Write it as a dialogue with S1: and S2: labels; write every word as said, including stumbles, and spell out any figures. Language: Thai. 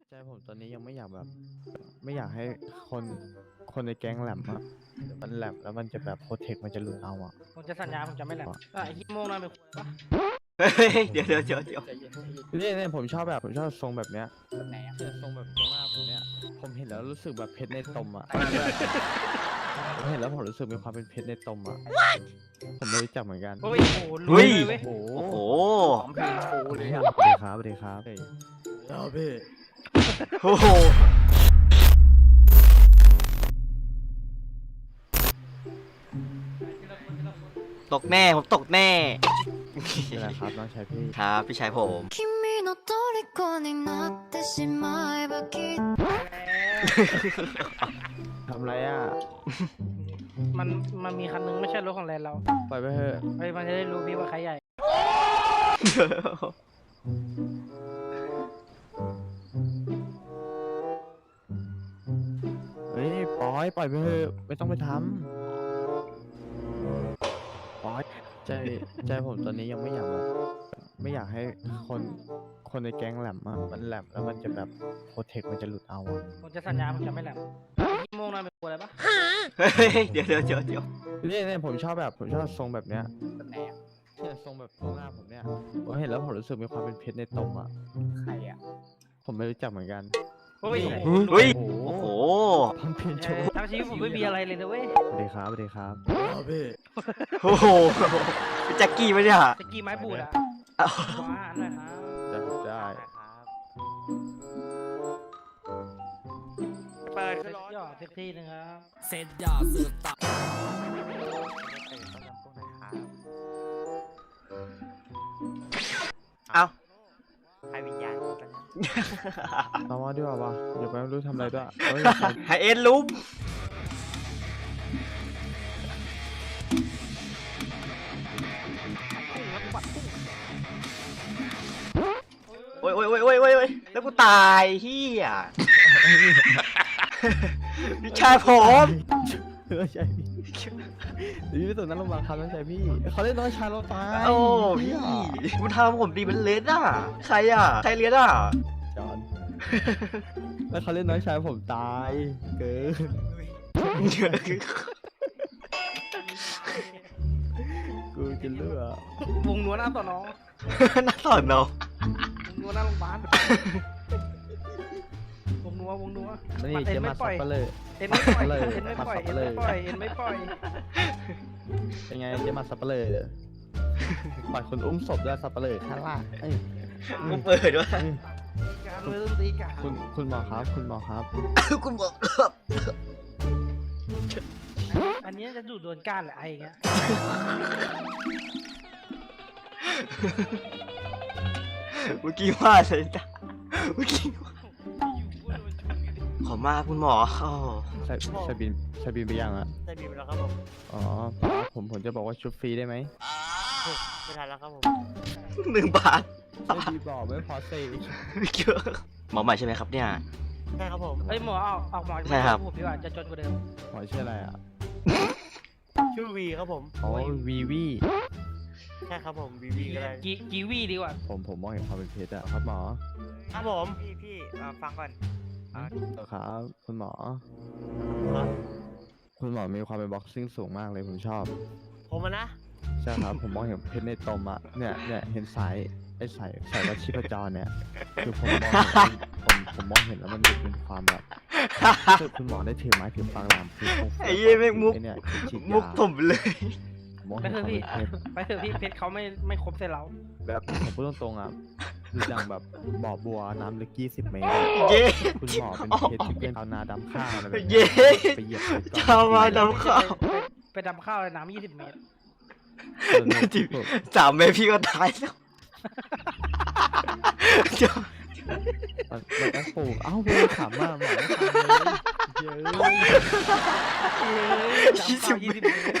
S1: ใจผมตอนนี้ยังไม่อยากแบบไม่อยากให้คนคนในแก๊งแหลมอะมันแหลมแล้วมันจะแบบโปรเทคมันจะหลุดเอาอะ
S2: ผมจะสัญญาผมจะไม่แหลมอ่ะไอ้ฮิโมงนั่นเป็นคนปะ
S3: เฮ้ยเดี๋ยวเดี๋ยวเดี๋ยวเดี๋ยว
S2: ใจเย็นใจเย็น
S1: นี่เนี่ยผมชอบแบบผมชอบทรงแบบเนี้ย
S2: แบบไหนอ่ะ
S1: เนี่ยทรงแบบตรงหน้าผมเนี่ยผมเห็นแล้วรู้สึกแบบเพชรในตมอะผมเห็นแล้วผมรู้สึกมีความเป็นเพชรในตมอะผมไม่รู้จักเหมือนกัน
S2: โอ้ยโอ้โหรู้เลยเว้ย
S1: โอ้โห
S3: โอ้โห
S2: หอมเพลงโชว์เลยอ่ะ
S1: สวัสดีครับสวัสดีครับเฮ้ยเอาพี่
S3: โอ้โหตกแน่ผมตกแน่
S1: นี่แหละครับน้องชายพี่
S3: ครับพี่ชายผม
S4: 君の虜になってしまえばきっと
S1: ทำไรอ่ะ
S2: มันมันมีคันนึงไม่ใช่รถของแลนเรา
S1: ปล่อยไปเถอะ
S2: เฮ้ยมันจะได้รู้พี่ว่าใครใหญ่
S1: เฮ้ยปล่อยปล่อยไปเถอะไม่ต้องไปทำปล่อยใจใจผมตอนนี้ยังไม่อยากแบบไม่อยากให้คนคนในแก๊งแหลมอะมันแหลมแล้วมันจะแบบโปรเทคมันจะหลุดเอาอะ
S2: ผมจะสัญญาผมจะไม่แหลมฮิโมงนั่นเป็นคนอะไรปะ
S3: เฮ้ยเดี๋ยวเดี๋ยวเดี๋ยวเดี๋ยว
S1: นี่เนี่ยผมชอบแบบผมชอบทรงแบบเนี้ย
S2: แบบไหนอ่ะ
S1: เนี่ยทรงแบบตรงหน้าผมเนี่ยผมเห็นแล้วผมรู้สึกมีความเป็นเพชรในตมอะ
S2: ใครอ่ะ
S1: ผมไม่รู้จักเหมือนกัน
S2: โอ้ย
S1: นี่
S2: โอ้โห
S3: เฮ้ย
S1: โอ้
S3: โอ้
S1: โห
S3: โห
S1: พัมเพนโช
S2: เออทั้งชีวิตผมไม่มีอะไรเลยนะเว้ย
S1: สวัสดีครับสวัสดีครับพี่
S3: โอ้โหพี่แจ็คกี้ปะเนี่ย
S2: ตะกี้ไม้บูดอ่ะ
S3: เอ้า
S2: ว้าหน่อยครับ
S1: ได้ครับได้
S2: เปิดขึ้นรถย่อสักทีหนึงครับ
S5: เสร็จยาสืบตับ
S3: เอ้า
S2: ใครวิญญาณกัน
S1: ตามมาดีกว่าวะเดี๋ยวไปไม่รู้ทำอะไรด้วยเฮ้ย
S3: ไฮเอ็นลุมโอ้ยโอ้ยโอ้ยโอ้ยโอ้ยโอ้ยแล้วกูตายเฮียพี่ชายผม
S1: เออใช่พี่เดี๋ยวพี่ไปส่งนั้นโรงพยาบาลครับน้องชายพี่เขาเล่นน้องชายเราตาย
S3: โอ้พี่กูทำผมดีมันเลสอ่ะใครอ่ะใครเลียนอ่ะ
S1: จอนแล้วเขาเล่นน้องชายผมตายเกินกูจะเลือก
S2: วงนัวหน้าต่อน้อง
S3: น่าสอนเนาะ
S2: วงนัวหน้าโรงพยาบาลวงนัววงนัว
S1: นี่
S2: เอ็
S1: จะ
S2: น
S1: มา
S2: ไม่ป
S1: สั
S2: ล่
S1: บ
S2: อย
S1: ปะเลย
S2: เอ็นไม่ปล่อย
S1: เลย
S2: เอ็นไม่ปล่อย
S1: มาสั
S2: เอ็
S1: บ
S2: น
S1: เลย
S2: ไม่ปล่อยเอ็นไม่ปล่อย
S1: เป็นไงเจะมาสับปะเลยปล่อยคนอุ้มศพด้วยสับปะเลยข้างล่างเอ้ย
S3: กูเปิดด้วย
S1: เอ้ย
S2: การเริ่มตีกัน
S1: คุณคุณหมอครับ คุณหมอครับ
S3: คุณบอก
S2: อันนี้จะดูดโดนก้านแหละไอ้เงี้ย
S3: เมื่อกี้ว่าอะไรจ้ะเมื่อกี้ว่าขอมาคุณหมอโอ้
S1: ใส่ใส่บินใส่บินไปยังอะ
S5: ได้บีบแล้วครับผม
S1: อ๋อป้าผมผมจะบอกว่าชุบฟรีได้ไหม
S5: ไม่ทันแล้วครับผม
S3: หนึ่งบาท
S1: ไม่ดีบอกไม่พอเซ
S3: เยอะหมอใหม่ใช่ไหมครับเนี่ย
S5: ใช่ครับผม
S2: เอ้ยหมอเอาเอาหมอ
S3: ใช่ครับ
S2: ผมดีกว่าจะจนกว่าเดิม
S1: หมอชื่ออะไรอ่ะ
S5: ชื่อวีครับผม
S1: อ๋อวีวี
S5: ใช่ครับผมวีวีก็ได้
S2: กีกีวีดีกว่า
S1: ผมผมมองเห็นความเป็นเพชรอะครับหมอ
S5: ครับผม
S6: พี่พี่เอ่อฟังก่อน
S1: เออครับคุณหมอ
S5: ครับ
S1: คุณหมอมีความเป็นบ็อกซิ่งสูงมากเลยผมชอบ
S5: ผมอะนะ
S1: ใช่ครับ ผมมองเห็นเพชรในตมอะเนี่ยเนี่ยเห็นสายไอ้สายสายวัดชีพจรเนี่ยคือผมมองเห็นผมผมมองเห็นแล้วมันดูเป็นความแบบคือคุณหมอได้ถือไม้ถือฟังลามคือคง
S3: ไอ้เหี้ยแม่งมุก
S1: ไอ้เนี่ยฉีดยา
S3: มุกผมเลย
S1: ผมมอง
S2: ไป
S1: เห็น
S2: เถ
S1: ควา
S2: อะ
S1: ม
S2: พี่
S1: เป็นเพชร
S2: ไปเถอะพี่เพชรเขาไม่ไม่ครบเส้นเรา
S1: แบบผมพูดตรงๆอ่ะคืออย่างแบบบ่อบัวน้ำลึกยี่สิบเมตรอะ
S3: เย้
S1: คุณหมอเป็นเพชรที่เป็นชาวนาดำข้าวอะไรแบบ
S3: เย้
S1: เนี้ยไปเหยียบไปก้อน
S3: ชาวนาดำข้าว
S2: ไปไปดำข้าวในน้ำยี่สิบเมตร
S1: เออเนี่ย
S3: จิบ
S1: ผม
S3: สามเมตรพี่ก็ตายแล้ว
S1: มันมันต้องปลูกเอ้าเวรขำมากหมอไม่ทำเลยเยอะ
S2: เอ้ยดำข้าวยี่สิบเมตร